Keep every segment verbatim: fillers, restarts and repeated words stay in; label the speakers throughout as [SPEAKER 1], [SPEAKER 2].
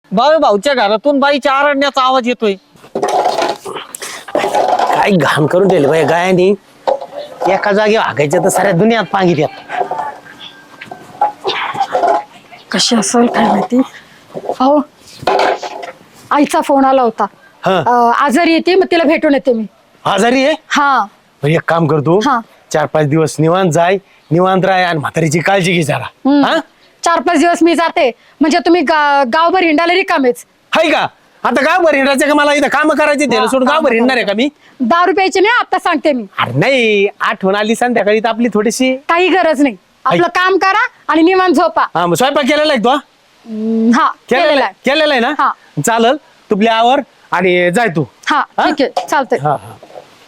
[SPEAKER 1] बाळू भाऊच्या घरातून बाईच्या आरडण्याचा आवाज येतोय.
[SPEAKER 2] काय घाण करून ठेवले बाई गायानी. एका जागी हागायच्या तर साऱ्या दुनियात पांगी द्यात.
[SPEAKER 3] कशी असेल काय माहिती. अहो आईचा फोन आला होता.
[SPEAKER 2] हा.
[SPEAKER 3] अं, आजारी येते मग तिला भेटून येते मी.
[SPEAKER 2] आजारी आहे.
[SPEAKER 3] हा
[SPEAKER 2] बरं, एक काम करतो.
[SPEAKER 3] हा.
[SPEAKER 2] चार पाच दिवस निवांत जाय, निवांत राय आणि म्हातारीची काळजी घे जरा.
[SPEAKER 3] हम्म.
[SPEAKER 2] हा
[SPEAKER 3] चार पाच दिवस मी जाते म्हणजे तुम्ही गा- गावभर हिंडायला रिकामेच.
[SPEAKER 2] हाय का आता गावभर हिंडायचं का मला इथं काम करायचे त्याला सोडून गावभर हिंडणार आहे का मी.
[SPEAKER 3] दारू प्यायची नाही आता सांगते मी.
[SPEAKER 2] अरे नाही आठवण आली संध्याकाळी तर आपली थोडीशी.
[SPEAKER 3] काही गरज नाही. आपलं काम करा आणि निवांत झोपा.
[SPEAKER 2] हा मग स्वयंपाक केलेला आहे तो.
[SPEAKER 3] हम्म, हा
[SPEAKER 2] केलेला
[SPEAKER 3] केलेला
[SPEAKER 2] आहे
[SPEAKER 3] आहे.
[SPEAKER 2] केलेला आहे ना.
[SPEAKER 3] हा.
[SPEAKER 2] चालल तुपल्या आवर आणि जाय तू.
[SPEAKER 3] हा
[SPEAKER 2] हा?
[SPEAKER 3] ठीक आहे चालतंय.
[SPEAKER 2] हा हा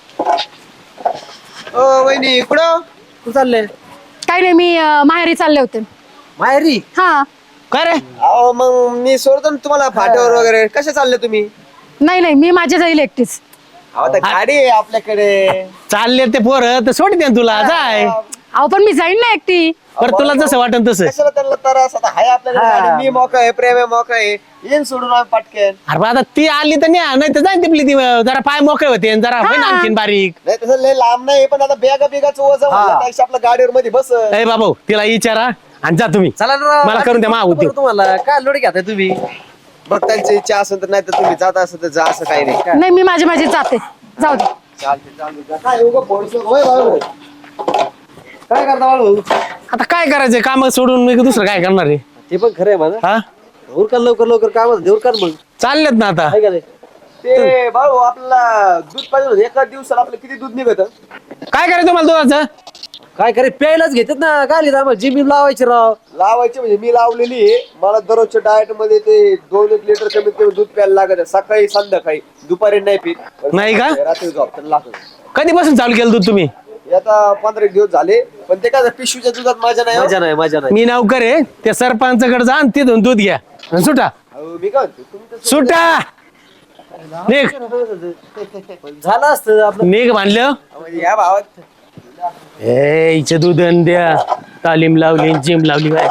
[SPEAKER 4] ओ वहिनी कुठं कुठं चालले?
[SPEAKER 3] काही नाही मी अं, माहेरी चालले होते.
[SPEAKER 4] माहेरी?
[SPEAKER 3] हा
[SPEAKER 2] काय रे.
[SPEAKER 4] अहो मग मी सोडतो ना तुम्हाला फाट्यावर वगैरे. कसे चालले तुम्ही?
[SPEAKER 3] नाही नाही मी माझ्या जाईल एकटीच.
[SPEAKER 4] अहो आता गाडी आहे आपल्याकडे.
[SPEAKER 2] चालले ते पोरं तर सोड दे तुला जाय.
[SPEAKER 3] अहो पण मी जाईन ना एकटी.
[SPEAKER 2] बरं तुला जसं वाटन तसं.
[SPEAKER 4] कशाला त्यांना त्रास? आता हाय आपल्याकडे गाडी. मी मोका आहे, प्रेम आहे, मोका आहे. येईन सोडून आम्ही पटकेन.
[SPEAKER 2] अरे बा, आता ती आली तर नाही नाही तर जाय तिपली ती जरा पाय मोकळे होते आणि जरा होईन आणखीन बारीक.
[SPEAKER 4] नाही तसं लय लांब नाही पण आता बेगा बेगाचं वजन म्हणलं त्यापेक्षा आपल्या गाडीवर मध्ये बस.
[SPEAKER 2] ए बाबू तिला विचारा आणि जा तुम्ही.
[SPEAKER 4] चला ना
[SPEAKER 2] मला करून द्या मा होती.
[SPEAKER 4] तुम्हाला काय लोड घेताय तुम्ही? बघ त्यांची इच्छा असेल तर नाही तर तुम्ही जात असेल तर जा, असं काही नाही. काय
[SPEAKER 3] नाही मी माझी माझी जाते. जाऊ दे.
[SPEAKER 4] चालते चालते. काय उगा फोडसं- होय बाळू. काय करता बाळू?
[SPEAKER 2] आता काय करायचंय काम सोडून मी दुसरं काय करणार आहे.
[SPEAKER 4] ते पण खरं आहे माझं.
[SPEAKER 2] हा
[SPEAKER 4] उरका लवकर लवकर काय म्हणत उरका मग.
[SPEAKER 2] चाललेत ना आता.
[SPEAKER 4] काय करायचं? ते बाळू आपल्याला दूध पाहिजे होतं. एका दिवसाला आपलं किती दूध निघत?
[SPEAKER 2] काय करायचं मला दुधाचं.
[SPEAKER 5] काय करे प्यायलाच घेतात ना. काय लिहिलं आम्हाला जिम लावायची राव.
[SPEAKER 4] लावायची म्हणजे मी लावलेली आहे. मला दररोजच्या डाएट मध्ये ते दोन एक लिटर कमीत कमी दूध प्यायला लागत आहे. सकाळी संध्याकाळी. दुपारी नाही पीत.
[SPEAKER 2] नाही का?
[SPEAKER 4] रात्री झोपताना लागत.
[SPEAKER 2] कधीपासून चालू केलं दूध तुम्ही.
[SPEAKER 4] आता पंधरा एक दिवस झाले पण ते काय पिशवीच्या दुधात माझ्या नाही हो.
[SPEAKER 5] मजा नाही मजा नाही.
[SPEAKER 2] मी नौकर आहे त्या सरपंचाकडे जा आणि तिथून दूध घ्या आणि सुटा
[SPEAKER 4] अहो, मी काय म्हणतो, तुम्ही तर
[SPEAKER 2] सुटा निघ
[SPEAKER 5] झालं असतं आपलं.
[SPEAKER 2] निघ म्हणलं.
[SPEAKER 4] म्हणजे या भावात
[SPEAKER 2] ए इथे दूध आणि द्या. तालीम लावली जिम लावली काय.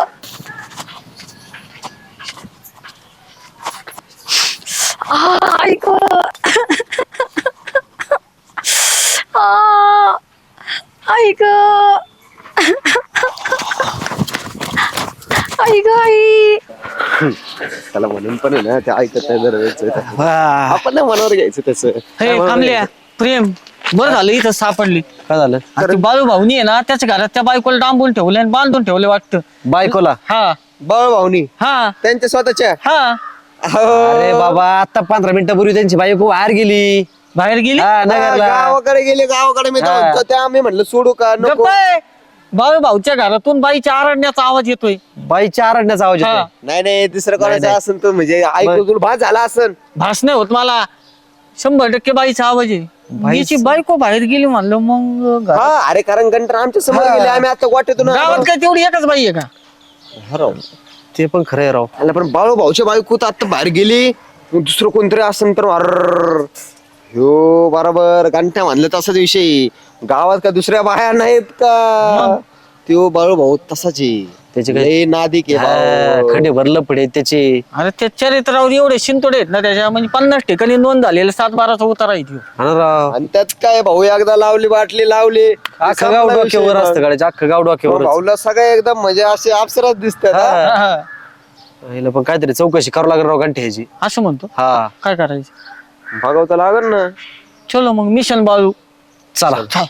[SPEAKER 3] ऐक ऐक ऐक आई.
[SPEAKER 4] त्याला म्हणून पण आहे ना ते ऐकत नाही जरा. आपण ना मनावर घ्यायचं तसं.
[SPEAKER 1] हे थांबल्या प्रेम बरं झालं इथं सापडली.
[SPEAKER 5] काय झालं?
[SPEAKER 1] अरे बाळू भाऊनी आहे ना त्याच्या घरात त्या बायकोला डांबून ठेवले आणि बांधून ठेवले वाटतं.
[SPEAKER 5] बायकोला?
[SPEAKER 1] हा
[SPEAKER 4] बाळ भाऊनी
[SPEAKER 1] हा
[SPEAKER 4] त्यांच्या स्वतःच्या.
[SPEAKER 1] हा
[SPEAKER 5] अरे बाबा आता पंधरा मिनिटापूर्वी त्यांची बायको बाहेर गेली.
[SPEAKER 1] बाहेर गेली.
[SPEAKER 5] हा, नगरला.
[SPEAKER 4] गावाकडे गेले गावाकडे मी
[SPEAKER 5] हा.
[SPEAKER 4] तर- त्या आम्ही म्हणलं सोडू का नको.
[SPEAKER 1] गप्प आहे. बाळू भाऊच्या घरातून बाईच्या आरडण्याचा आवाज येतोय.
[SPEAKER 5] बाईच्या आरडण्याचा आवाज
[SPEAKER 1] हा.
[SPEAKER 5] येतोय.
[SPEAKER 4] नाही नाही दुसरं कोणाचं
[SPEAKER 5] नाही.
[SPEAKER 4] असेल तर म्हणजे ऐकू तुला भास झाला असेल.
[SPEAKER 1] भास नाही होत मला. शंभर टक्के बाईचा आवाज आहे. बाईची बायको बाहेर गेली म्हणलं मग घरात-
[SPEAKER 4] हा अरे कारण गंटर आमच्या समोर गेले आम्ही आता वाटेतून
[SPEAKER 1] गावात काय तेवढी एकच बाई आहे का.
[SPEAKER 4] हरव.
[SPEAKER 5] ते पण खरं आहे राव.
[SPEAKER 4] आणि पण बाळू भाऊच्या बायको तर आता बाहेर गेली मग दुसरं कोणतरी असेल तर अर्र ह्यो बरोबर घंटा म्हणलं तसाच विषय. गावात का दुसऱ्या बाया नाहीत का. त्यो बाळू भाऊ तसाच आहे.
[SPEAKER 5] त्याचे काय-
[SPEAKER 4] लय नादिक आहे भाऊ.
[SPEAKER 5] खंडे भरलं पडे त्याचे.
[SPEAKER 1] अरे त्या चरित्रावर एवढे शिंतोडे आहेत ना त्याच्या म्हणजे पन्नास ठिकाणी नोंद झालेले सात बाराचा उतारा आहे त्यो.
[SPEAKER 5] हा ना राव.
[SPEAKER 4] आणि त्यात काय भाऊ एकदा लावली बाटली लावली
[SPEAKER 5] अख्खं गाव डोक्यावर असतं गाड्याच्या. अख्खं गाव डोक्यावर.
[SPEAKER 4] भाऊला सगळं एकदम म्हणजे असे अप्सराच दिसतात हा.
[SPEAKER 1] हा, हा.
[SPEAKER 5] पण काहीतरी चौकशी करावं लागेल राव घंटे ह्याची.
[SPEAKER 1] असं म्हणतो.
[SPEAKER 5] हा
[SPEAKER 1] काय करायचं.
[SPEAKER 4] भागवता लागल ना.
[SPEAKER 1] चलो मग मिशन बाळू.
[SPEAKER 5] चला.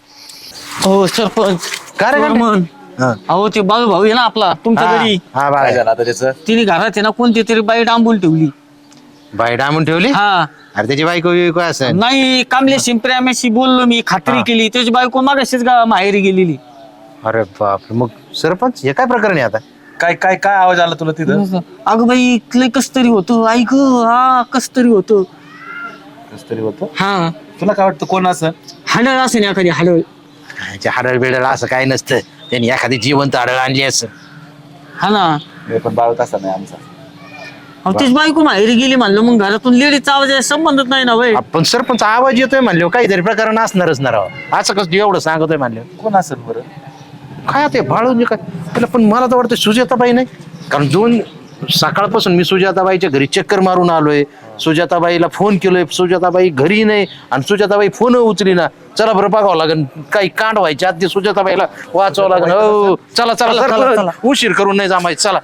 [SPEAKER 1] हो सरपंच
[SPEAKER 5] काय रे घंटे?
[SPEAKER 1] म्हण. अहो ते बाळू भाऊ आहे ना आपला तुमच्या घरी.
[SPEAKER 6] हा काय झालं आता त्याचं.
[SPEAKER 1] तिने घरात आहे ना कोणती तरी बाई डांबून ठेवली.
[SPEAKER 6] बाई डांबून ठेवली.
[SPEAKER 1] हा
[SPEAKER 6] अरे त्याची बायको बियको असेल.
[SPEAKER 1] नाही कामलेशी प्रेमाशी बोललो मी खात्री केली त्याची बायको मागाशीच गा माहेरी गेलेली.
[SPEAKER 6] अरे बाप मग सरपंच हे काय प्रकरण आहे आता. काय काय काय आवाज आला तुला तिथं.
[SPEAKER 1] अगं बाई लय कस तरी होतं ऐक हा कस तरी होतं.
[SPEAKER 6] कस तरी होतं.
[SPEAKER 1] हा
[SPEAKER 6] तुला काय वाटतं कोण असं.
[SPEAKER 1] हाडळ असेल एखादी हाडळ.
[SPEAKER 6] हाडळ बिडळ असं काही नसतं. त्यांनी एखादी जिवंत हाडळ आणली असं.
[SPEAKER 1] हा ना.
[SPEAKER 6] पण बाळ तसा नाही आमचा.
[SPEAKER 1] अहो त्याची बायको माहेरी गेली म्हणलं मग घरातून लेडीजचा आवाज आहे, संबंधच नाही ना वय.
[SPEAKER 6] आपण सरपंच आवाज येतोय म्हणले काहीतरी प्रकरण असणारच ना राव. असं कसं तू एवढं सांगतोय म्हणले. कोण असेल बरं. काय ते बाळून काय त्याला पण मला तर वाटतं सुजाताबाई नाही कारण दोन सकाळपासून मी सुजाताबाईच्या घरी चक्कर मारून आलोय, सुजाताबाईला फोन केलोय, सुजाताबाई घरी नाही आणि सुजाताबाई फोन उचली ना. चला बरं बघावं लागेल, काही कांड व्हायच्या आधी सुजाताबाईला वाचवावं लागेल. हो चला चला सरपंच, उशीर करून नाही जमायचं. चला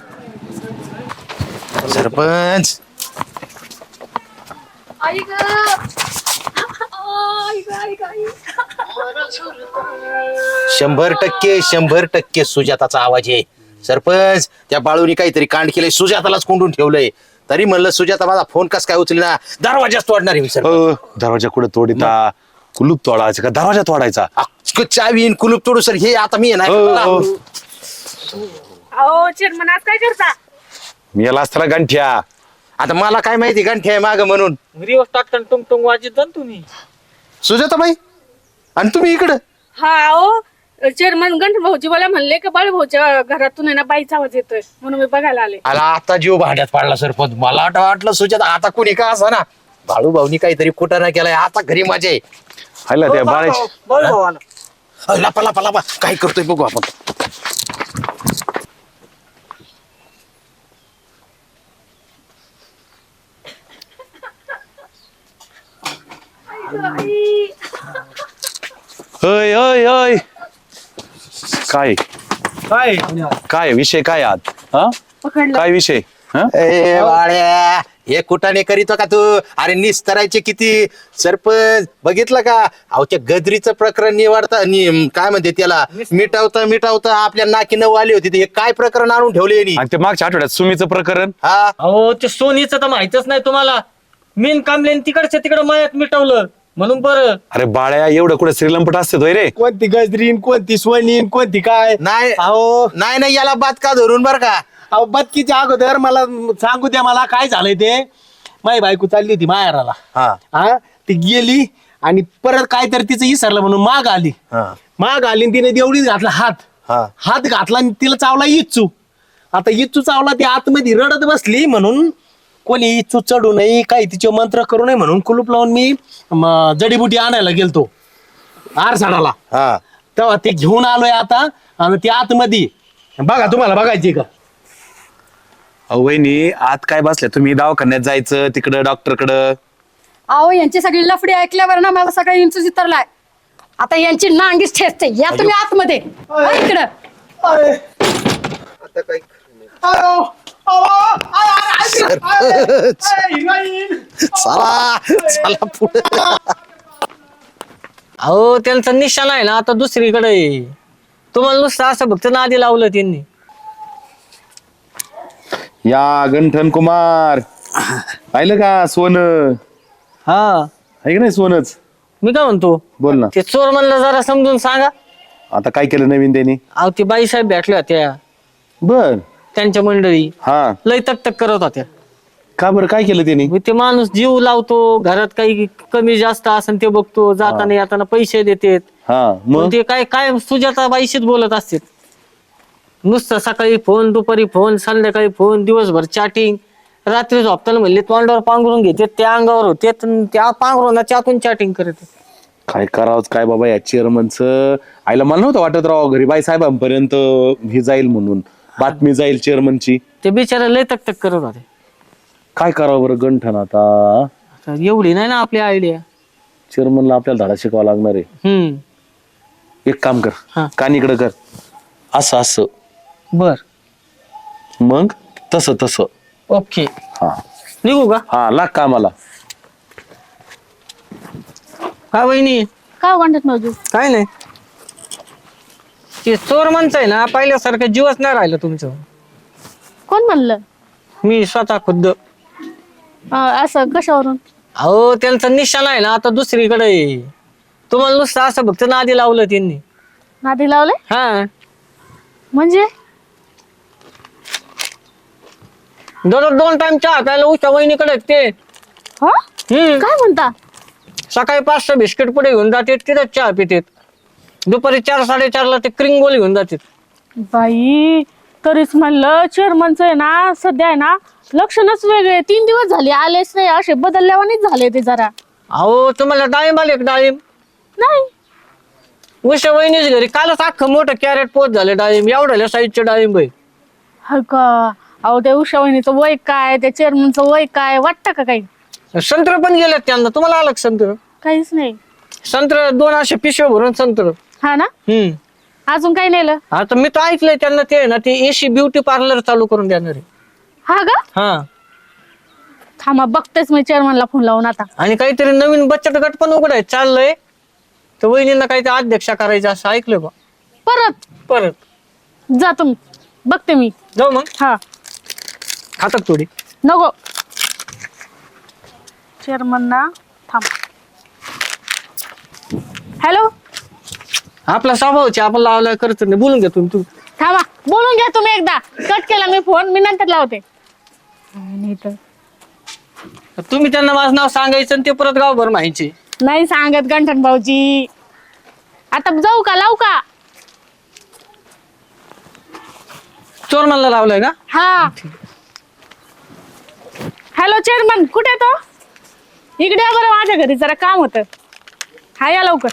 [SPEAKER 6] सरपंच. शंभर टक्के शंभर टक्के सुजाताचा आवाज आहे. सरपंच, त्या बाळूनी काहीतरी कांड केलंय, सुजातालाच कोंडून ठेवलंय. तरी म्हणलं सुजाता माझा फोन कस काय उचली ना, दरवाजाच तोडणार आहे मी. सरपंच
[SPEAKER 7] अ, दरवाजा कुठे तोडिता? कुलूप तोडायचा का दरवाजा तोडायचा?
[SPEAKER 6] अख्खं चावी आणि कुलूप तोडू सर. हे आता मी आहे
[SPEAKER 7] हो,
[SPEAKER 6] ना.
[SPEAKER 7] हो.
[SPEAKER 8] अहो चेअरमन आज काय करता?
[SPEAKER 7] मी याला असताना गंठ्या.
[SPEAKER 6] आता मला काय माहिती गंठे आहे माग म्हणून.
[SPEAKER 1] रिवर्स टाकताना टुंग टुंग वाजत जा ना तुम्ही.
[SPEAKER 6] सुजाताबाई आणि तुम्ही इकडं?
[SPEAKER 8] हा अहो चेअरमन गंठ भाऊजी मला म्हणले की बाळ भाऊच्या घरातून आहे ना बाईचा आवाज येतोय म्हणून मी बघायला आले.
[SPEAKER 6] आला आता जीव भांड्यात पाडला सरपंच. मला वाटलं वाटलं सुजाता आता कुणी का असा ना, बाळू भाऊनी काहीतरी कुटाणा केलाय. आता घरी मजा आहे.
[SPEAKER 7] हायला त्या बाळाची
[SPEAKER 1] बोल भाऊ आला.
[SPEAKER 6] अ, लपा लपा लपा काय करतोय बघू आपण.
[SPEAKER 7] होय होय होय. काय
[SPEAKER 1] काय
[SPEAKER 7] काय विषय काय आज? हा
[SPEAKER 8] पकडलं.
[SPEAKER 7] काय विषय? हा?
[SPEAKER 6] ए बाळ्या, हे कुटाने करीतो का तू? अरे निस्तरायचे किती. सरपंच बघितलं का? अहो त्या गदरीचं प्रकरण निवाडता नि- काय म्हणते त्याला, मिटावता मिटावता आपल्या नाकी नऊ आली होती. हे काय प्रकरण आणून ठेवले यांनी?
[SPEAKER 7] आणि ते मागच्या आठवड्यात सुमीचं प्रकरण.
[SPEAKER 6] हा
[SPEAKER 1] अहो ते सोनीचं तर माहितच नाही तुम्हाला. मेन कामल्याने तिकडच्या तिकडं मयात मिटवलं म्हणून बरं.
[SPEAKER 7] अरे बाळ्या, एवढं कुठे श्रीलंपट असते तो रे?
[SPEAKER 2] कोणती गजरीन, कोणती सोनीन, कोणती काय?
[SPEAKER 6] नाही
[SPEAKER 2] अहो
[SPEAKER 6] नाही नाही याला बात का धरून बर का.
[SPEAKER 2] अहो बदकीच्या अगोदर मला सांगू द्या, मला काय झालंय ते. माझी बायको चालली होती माहेराला.
[SPEAKER 6] हा
[SPEAKER 2] हा ती गेली आणि परत काय तर तिचं विसरलं म्हणून माग आली.
[SPEAKER 6] हा
[SPEAKER 2] माग आली आणि तिने देवडीत घातला हात.
[SPEAKER 6] हा
[SPEAKER 2] हात घातला आणि तिला चावला इच्छू. आता इच्छू चावला, ती आतमध्ये रडत बसली म्हणून कोणी इच्छू चढू नये, काही तिचे मंत्र करू नये म्हणून कुलूप लावून मी म, जडीबुटी आणायला गेलतो आरसाडाला.
[SPEAKER 6] हा
[SPEAKER 2] तेव्हा ते घेऊन आलोय आता आणि ती आतमध्ये बघा, तुम्हाला बघायची का?
[SPEAKER 7] अहो वहिनी, आत काय बसल्या तुम्ही? दवाखान्यात जायचं तिकडं डॉक्टरकडं.
[SPEAKER 3] अहो यांची सगळी लफडी ऐकल्यावर ना मला सगळं इंचू चितरलाय. आता यांची नांगीच ठेचते. या तुम्ही आतमध्ये. हो, इकडं.
[SPEAKER 6] चला चला पुढे.
[SPEAKER 1] अहो त्यांचा निशाणा आहे ना आता दुसरीकडे आहे. तुम्हाला नुसतं असं फक्त नादी लावलं त्यांनी.
[SPEAKER 7] या गंठन कुमार पाहिलं का? सोनं
[SPEAKER 1] हा
[SPEAKER 7] आहे का नाही? सोनच.
[SPEAKER 1] मी काय म्हणतो,
[SPEAKER 7] बोल ना.
[SPEAKER 1] ते चोर म्हणलं जरा समजून सांगा.
[SPEAKER 7] आता काय केलं नवीन त्यांनी?
[SPEAKER 1] अहो ती बाईसाहेब भेटल्या होत्या
[SPEAKER 7] बर.
[SPEAKER 1] त्यांच्या मंडळी,
[SPEAKER 7] हा
[SPEAKER 1] लय तक तक करत होत्या.
[SPEAKER 7] का बरं, काय केलं त्यांनी?
[SPEAKER 1] मग ते माणूस जीव लावतो, घरात काही कमी जास्त असेल ते बघतो, जाताना येताना पैसे देतात.
[SPEAKER 7] हा
[SPEAKER 1] मग
[SPEAKER 7] मग
[SPEAKER 1] ते काय काय सुजाता बाईशीच बोलत असतात. नुसतं सकाळी फोन, दुपारी फोन, संध्याकाळी फोन, दिवसभर चॅटिंग. रात्री झोपताना म्हणले तोंडावर पांघरून घेते, त्या अंगावर होते, त्या पांघरुणाच्या आतून चॅटिंग करत.
[SPEAKER 7] काय करावं काय बाबा या चेअरमनचं? आईला मला नव्हतं वाटत राव घरी बाई साहेबांपर्यंत हे जाईल म्हणून, बातमी जाईल चेअरमनची.
[SPEAKER 1] ते बिचारे लय तक तक करत होते.
[SPEAKER 7] काय करावं बरं गंठन आता?
[SPEAKER 1] आता एवढी नाही ना आपली आयडिया.
[SPEAKER 7] चेअरमनला आपल्याला धडा शिकावा लागणार आहे.
[SPEAKER 1] हम्म
[SPEAKER 7] एक काम कर,
[SPEAKER 1] हा.
[SPEAKER 7] कानीकडं कर, असं असं,
[SPEAKER 1] बर
[SPEAKER 7] मग तसं तसं.
[SPEAKER 1] ओके
[SPEAKER 7] हा
[SPEAKER 1] निघू का?
[SPEAKER 7] हा लाग कामाला.
[SPEAKER 1] काय वहिनी?
[SPEAKER 8] काय म्हणतात भाऊजी?
[SPEAKER 1] काय नाही, ते चोर म्हणताय ना पहिल्यासारखं जीवच नाही राहिलं तुमचं.
[SPEAKER 8] कोण म्हणलं?
[SPEAKER 1] मी स्वतः खुद्द.
[SPEAKER 8] अं, असं कशावरून?
[SPEAKER 1] अहो त्यांचा निशाणा आहे ना आता दुसरीकडे आहे. तुम्हाला नुसतं असं फक्त नादी लावलं त्यांनी.
[SPEAKER 8] नादी लावले
[SPEAKER 1] हा
[SPEAKER 8] म्हणजे?
[SPEAKER 1] दररोज दोन टाइम चहा प्यायला उशा वहिनीकडे ते.
[SPEAKER 8] हा
[SPEAKER 1] हम्म
[SPEAKER 8] काय म्हणता?
[SPEAKER 1] सकाळी पाच सहा बिस्किट पुढे घेऊन जातात, तिथेच चहा पितात. दुपारी चार साडेचारला ते क्रिंग गोळी घेऊन जातात.
[SPEAKER 8] बाई तरीच म्हणलं चेअरमनचं आहे ना सध्या आहे ना लक्षणच वेगळे. तीन दिवस झाले आलेच नाही, असे बदलल्यावानीच झाले ते जरा.
[SPEAKER 1] अहो तुम्हाला डाळिंब आले का? डाळिंब
[SPEAKER 8] नाही
[SPEAKER 1] उषा वहिनीच घरी कालच अख्खं मोठं कॅरेट पोत झाले डाळिंब. एवढ्या साईजचे डाळिंब आहे.
[SPEAKER 8] हा का? अहो त्या उषा वहिनीचं वय काय, त्या चेअरमनचं वय काय, वाटतं का काही?
[SPEAKER 1] संत्र पण गेलेत त्यांना, तुम्हाला आलं का संत्र?
[SPEAKER 8] काहीच नाही.
[SPEAKER 1] संत्र दोन असे पिशव्या भरून संत्र.
[SPEAKER 8] हा ना.
[SPEAKER 1] हम्म.
[SPEAKER 8] अजून काही नेलं?
[SPEAKER 1] आता मी तर ऐकलंय त्यांना ते ना ते एसी ब्युटी पार्लर चालू करून देणार आहे.
[SPEAKER 8] हा का?
[SPEAKER 1] हा.
[SPEAKER 8] थांबा बघतेच मी चेअरमनला फोन लावून आता.
[SPEAKER 1] आणि काहीतरी नवीन बचत गट पण उघडाय चाललंय, तर वहिनींना काहीतरी अध्यक्षा करायचं असं ऐकलंय बा.
[SPEAKER 8] परत
[SPEAKER 1] परत
[SPEAKER 8] जा तुम्ही, बघते मी.
[SPEAKER 1] जाऊ मग.
[SPEAKER 8] हा
[SPEAKER 1] खातात थोडी.
[SPEAKER 8] नको. चेअरमन ना थांब. हॅलो.
[SPEAKER 1] आपला स्वभावचे आपण लावला करत नाही, बोलून घ्या तुम्ही. तू
[SPEAKER 8] थांबा, बोलून घ्या तुम्ही. एकदा कट केला मी फोन, मी नंतर लावते. नाही तर
[SPEAKER 1] तुम्ही त्यांना माझं नाव सांगायचं आणि ते परत गावभर माहिती.
[SPEAKER 8] नाही सांगत गंठन भाऊजी. आता जाऊ का, लावू का?
[SPEAKER 1] चोर मला लावलाय का?
[SPEAKER 8] हा. हॅलो चेअरमन, कुठे तो? इकडे या बरं, माझ्या घरी जरा काम होतं. हा या लवकर.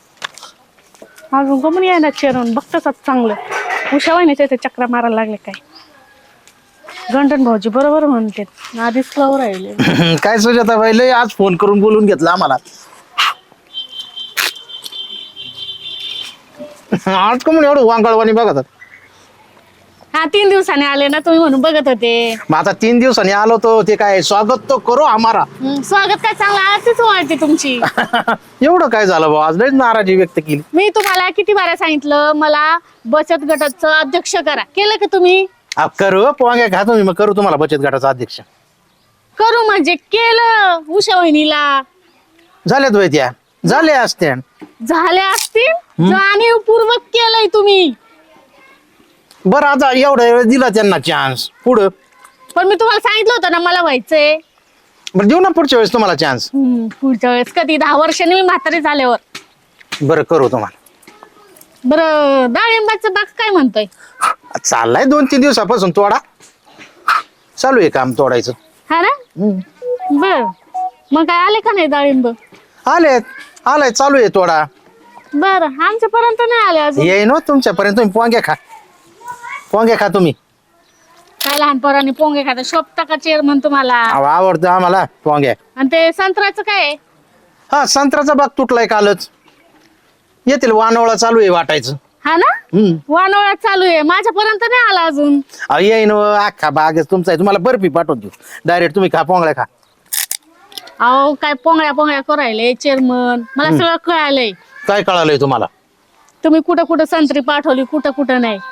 [SPEAKER 8] अजून कमून यायला चेअरमन, बघतच चांगलं. उषा वहिनीच्या इथे चक्रा मारायला लागले काय. गंठन भाऊजी बरोबर म्हणते, आधीच फ्लावर राहिले.
[SPEAKER 6] काय सुजाता बाई लय आज फोन करून बोलून घेतला आम्हाला. आज का म्हणून एवढं वांगळवाणी बघतात.
[SPEAKER 8] हा तीन दिवसाने आले ना तुम्ही म्हणून बघत होते.
[SPEAKER 6] मग आता तीन दिवसांनी आलो तो ते काय स्वागत तो करो आम्हाला.
[SPEAKER 8] हम्म, स्वागत काय चांगलं, आरतीच वाटते तुमची.
[SPEAKER 6] एवढं काय झालं भाऊ, आज लयच नाराजी व्यक्त केली.
[SPEAKER 8] मी तुम्हाला किती बारा सांगितलं मला बचत गटाचं अध्यक्ष करा, केलं का तुम्ही?
[SPEAKER 6] अब करू पोंग्या खा तुम्ही, मग करू तुम्हाला बचत गटाचा अध्यक्ष.
[SPEAKER 8] करू म्हणजे केलं. उषा वहिनीला
[SPEAKER 6] झाल्यात वय त्या, झाले असत्या.
[SPEAKER 8] झाले असतील, जाणीवपूर्वक केलंय तुम्ही.
[SPEAKER 6] बरं आता एवढा वेळ दिला त्यांना चान्स, पुढं
[SPEAKER 8] पण मी तुम्हाला सांगितलं होतं ना मला व्हायचंय.
[SPEAKER 6] बरं देऊ ना पुढच्या वेळेस तुम्हाला चान्स.
[SPEAKER 8] हम्म, पुढच्या वेळेस कधी, दहा वर्षांनी मी म्हातारी झाल्यावर.
[SPEAKER 6] बरं करू तुम्हाला.
[SPEAKER 8] बरं डाळिंबाचं बाग काय म्हणतोय?
[SPEAKER 6] चाललाय दोन तीन दिवसापासून तोडा चालू आहे, काम तोडायचं.
[SPEAKER 8] हा ना. बर मग काय आले का नाही डाळिंब?
[SPEAKER 6] आलेत, आलाय चालू आहे तोडा.
[SPEAKER 8] बर आमच्यापर्यंत नाही आले अजून.
[SPEAKER 6] येई ना तुमच्यापर्यंत. तुम्ही पोंग्या खा, पोंग्या खा तुम्ही.
[SPEAKER 8] काय लहानपणाने पोंगे खाता शोभता का चेअरमन तुम्हाला?
[SPEAKER 6] अहो, आवडतं आम्हाला पोंग्या.
[SPEAKER 8] आणि ते संत्र्याचं काय आहे?
[SPEAKER 6] हा संत्र्याचा बाग तुटलाय कालच, येतील वानवळा चालू आहे वाटायचं.
[SPEAKER 8] हा ना.
[SPEAKER 6] हम्म.
[SPEAKER 8] वानोळ्यात चालू आहे, माझ्यापर्यंत नाही आला अजून.
[SPEAKER 6] अहो येईन अख्खा बागच तुमचा आहे, तुम्हाला बर्फी पाठवून देऊ डायरेक्ट. तुम्ही खा पोंगळ्या खा.
[SPEAKER 8] अहो काय पोंगळ्या पोंगळ्या करायले चेअरमन, मला सगळं कळालंय.
[SPEAKER 6] काय कळालंय तुम्हाला?
[SPEAKER 8] तुम्ही कुठं कुठं संत्री पाठवली, कुठं कुठं नाही.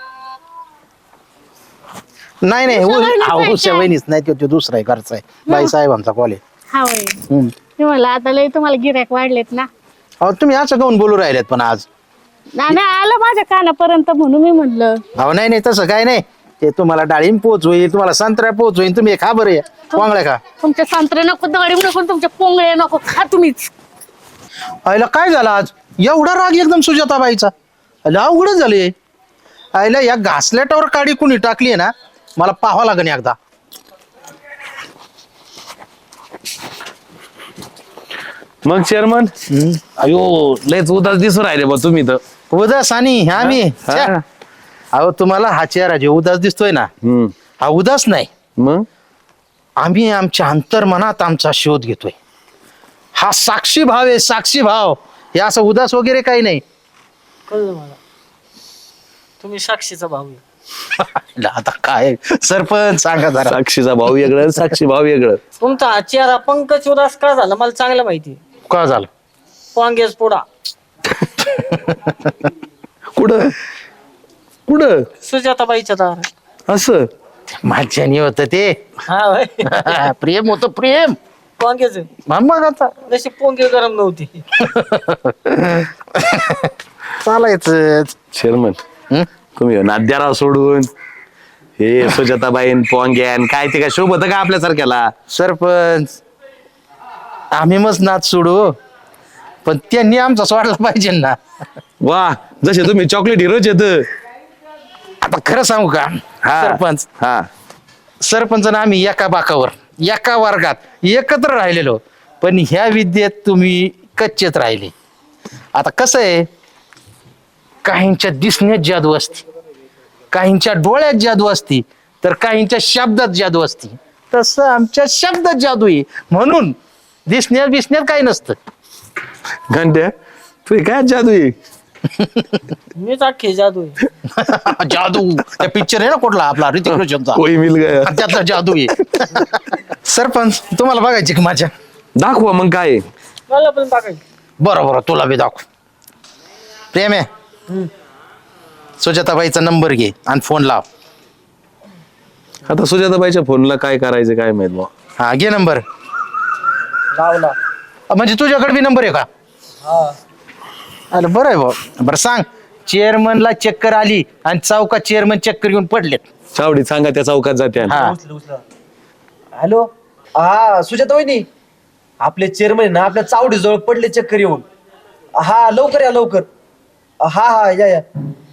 [SPEAKER 6] नाही नाही
[SPEAKER 8] उषा वहिनीच आहे
[SPEAKER 6] उषा
[SPEAKER 8] काय?
[SPEAKER 6] वहिनीच नाही, तो तो दुसरा आहे, घरचा आहे, बाई साहेबांचा कॉल आहे.
[SPEAKER 8] हा वय मी म्हणलं आता लय तुम्हाला गिऱ्हाईक वाढलेत ना.
[SPEAKER 6] अहो तुम्ही असं काऊन बोलू राहिलेत पण आज?
[SPEAKER 8] ना- नाही आलं माझ्या कानापर्यंत म्हणून मी म्हणलं.
[SPEAKER 6] अहो नाही नाही तसं काय नाही, ते तुम्हाला डाळिंब पोच होईल, तुम्हाला संत्र्या पोच होईल. तुम्ही खा बरं, पोंगळ्या खा.
[SPEAKER 8] तुमचे संत्रे नको, डाळिंब नको, तुमचे पोंगळे नको, खा तुम्हीच.
[SPEAKER 6] आईला काय झालं आज एवढा राग एकदम सुजाताबाईचा? आईला अवघडच झाले. आईला या घासलेटावर काडी कुणी टाकली ना, मला पाहावं लागेल एकदा.
[SPEAKER 7] मग चेअरमन, अयो लयच उदास दिसून राहिले बा तुम्ही तर.
[SPEAKER 6] उदास आणि आम्ही
[SPEAKER 7] हा.
[SPEAKER 6] छ्या. अहो तुम्हाला हा चेहरा जे उदास दिसतोय ना,
[SPEAKER 7] हम्म.
[SPEAKER 6] हा उदास नाही.
[SPEAKER 7] मग
[SPEAKER 6] आम्ही आमच्या अंतर्मनात आमचा शोध घेतोय. हा साक्षी भाव आहे, साक्षी भाव. हे असं उदास वगैरे काही नाही.
[SPEAKER 1] कळलं मला, तुम्ही साक्षीचा भाऊ आहे.
[SPEAKER 6] आता काय सरपंच सांगा जरा.
[SPEAKER 7] साक्षीचा भाऊ वेगळं आणि साक्षी भाव वेगळं.
[SPEAKER 1] तुमचा हा चेहरा पंकज उदास का झाला मला चांगलं माहिती.
[SPEAKER 6] का झालं?
[SPEAKER 1] पोंगेच पुढा
[SPEAKER 7] कुठं कुठं
[SPEAKER 1] सुजाताबाईच्या दार.
[SPEAKER 7] असं
[SPEAKER 6] माझ्यानी होत ते.
[SPEAKER 1] हा होय.
[SPEAKER 6] प्रेम होतं प्रेम.
[SPEAKER 1] पोंगेच
[SPEAKER 6] मग आता
[SPEAKER 1] जशी पोंगे गरम नव्हती.
[SPEAKER 6] चालायचं.
[SPEAKER 7] चेअरमन,
[SPEAKER 6] हं?
[SPEAKER 7] तुम्ही नाद्याराव सोडून हे सुजाताबाईन पोंग्यान काय ते काय शोभत का आपल्यासारख्याला?
[SPEAKER 6] सरपंच आम्ही मस्त नाच सोडू, पण त्यांनी आमचा सोडला पाहिजे ना.
[SPEAKER 7] वा, जसे तुम्ही चॉकलेट हिरोच येत.
[SPEAKER 6] आता खरं सांगू का सरपंच,
[SPEAKER 7] हा
[SPEAKER 6] सरपंच ना आम्ही एका बाकावर एका वर्गात एकत्र राहिलेलो, पण ह्या विद्येत तुम्ही कच्चेत राहिले. आता कसं आहे, काहींच्या दिसण्यात जादू असते, काहींच्या डोळ्यात जादू असते, तर काहींच्या शब्दात जादू असते तसं आमच्या शब्दात जादू आहे म्हणून दिसण्यात बिसण्यात काही नसतं.
[SPEAKER 7] घंट्या तू काय जादू आहे
[SPEAKER 1] मीच अख्खे जादू आहे.
[SPEAKER 6] जादू त्या पिक्चर आहे ना कुठला आपला ऋतिक रोशनचा
[SPEAKER 7] कोई मिल गया
[SPEAKER 6] त्यातला जादू आहे. सरपंच तुम्हाला बघायची की माझ्या
[SPEAKER 7] दाखवा मग काय आहे.
[SPEAKER 1] मला पण टाकायचं.
[SPEAKER 6] बरं बरं तुला बी दाखव. प्रेम आहे सुजाताबाईचा नंबर घे आणि फोन लाव.
[SPEAKER 7] आता सुजाताबाईच्या फोनला काय करायचं काय माहित बा.
[SPEAKER 6] हा घे नंबर.
[SPEAKER 1] लावला.
[SPEAKER 6] म्हणजे तुझ्याकडे बी नंबर आहे का? अरे बरं आहे भाऊ. बरं सांग चेअरमनला चक्कर आली आणि चौकात चेअरमन चक्कर घेऊन पडलेत.
[SPEAKER 7] चावडीत सांगा त्या चौकात जाते
[SPEAKER 6] हा
[SPEAKER 2] हॅलो हा सुजाता वहिनी आपले चेअरमन ना आपल्या चावडी जवळ पडले चक्कर येऊन. हा लवकर या लवकर. हा हा या या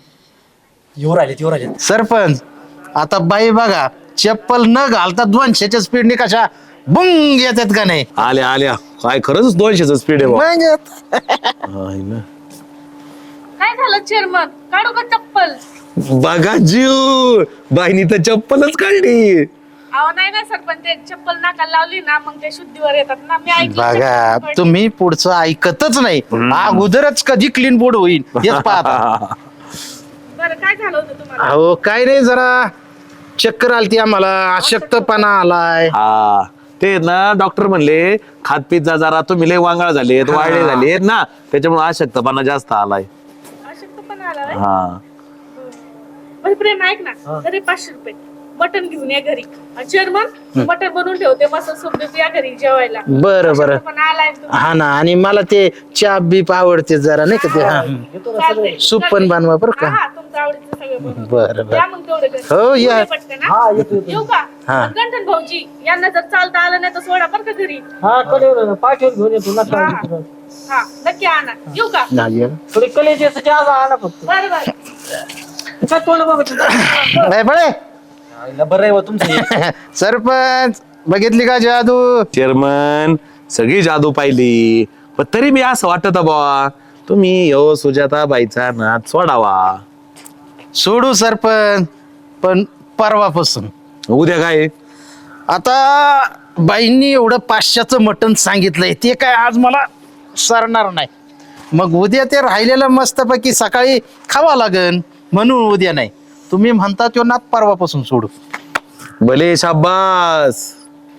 [SPEAKER 2] येऊ राहिले येऊ राहिले.
[SPEAKER 6] सरपंच आता बाई बघा चप्पल न घालता दोनशेच्या स्पीडने कशा बुंग येतात का नाही.
[SPEAKER 7] आल्या आल्या काय खरंच दोनशेच स्पीड आहे बा.
[SPEAKER 6] मग येत.
[SPEAKER 7] हाय ना.
[SPEAKER 8] काय झालं चेअरमन काढू का चप्पल?
[SPEAKER 7] बघा जीव बाईनी तर चप्पलच काढली.
[SPEAKER 8] अहो नाही ना सरपंच ते चप्पल नाकाला लावली ना मग ते शुद्धीवर येतात ना मी ऐकलं
[SPEAKER 6] बघा
[SPEAKER 8] चप्पल पडली.
[SPEAKER 6] तुम्ही पुढचं ऐकतच नाही. अगोदरच कधी क्लीन बोर्ड होईल हेच पाहता.
[SPEAKER 8] बरं काय झालं होतं तुम्हाला?
[SPEAKER 6] अहो काय नाही जरा चक्कर आलती आम्हाला अशक्तपणा आलाय.
[SPEAKER 7] हा ते ना डॉक्टर म्हणले खात पीत जा जरा तुम्ही लय वांगाळ झालेत वाळले झालेत ना त्याच्यामुळे अशक्तपणा जास्त आलाय.
[SPEAKER 8] अशक्तपणा आला व्हय?
[SPEAKER 7] हा
[SPEAKER 8] बरं प्रेम ऐक ना तरी पाचशे रुपये बटन घेऊन या घरी. चेअरमन बटन बनवून ठेवते मस्त सूप बीप या घरी जेवायला.
[SPEAKER 6] बरं बरं
[SPEAKER 8] पण आलाय तुम्ही.
[SPEAKER 6] हा ना आणि मला ते चहा बीप आवडते जरा नाही का ते हा
[SPEAKER 8] चालतंय.
[SPEAKER 6] सूप पण बनवा बरं का.
[SPEAKER 8] हा, हा, तुमचं आवडीचं सगळं बनवून.
[SPEAKER 6] बरं बरं
[SPEAKER 8] या मग तेवढं घरी.
[SPEAKER 6] हो, या.
[SPEAKER 8] उद्या पटकन, हा? येऊ का?
[SPEAKER 6] हा.
[SPEAKER 8] गंठन भाऊजी यांना जर चालता आलं नाही तर सोडा बरं का घरी.
[SPEAKER 1] हा कलेवर पाठवून घेऊन येतो नका
[SPEAKER 8] हा.
[SPEAKER 1] काळजी करू.
[SPEAKER 8] हा नक्की आणा. येऊ का?
[SPEAKER 6] नाही, या.
[SPEAKER 1] थोडी कलेची आज आणा फक्त.
[SPEAKER 8] बरं बरं.
[SPEAKER 1] काय तोंड बघत होता?
[SPEAKER 6] नाही बळे
[SPEAKER 2] बरं आहे तुमचं.
[SPEAKER 6] सरपंच बघितली का जादू.
[SPEAKER 7] चेअरमन सगळी जादू पाहिली पण तरी मी असं वाटत बा तुम्ही यो सुजाताबाईचा नाद सोडावा.
[SPEAKER 6] सोडू सरपंच पण परवापासून.
[SPEAKER 7] उद्या काय
[SPEAKER 6] आता बाईंनी एवढं पाचशेचं मटण सांगितलंय ते काय आज मला सरणार नाही. मग उद्या ते राहिलेलं मस्तपैकी सकाळी खावा लागन म्हणून उद्या नाही. तुम्ही म्हणता तो नाद परवापासून सोडू.
[SPEAKER 7] भले शाब्बास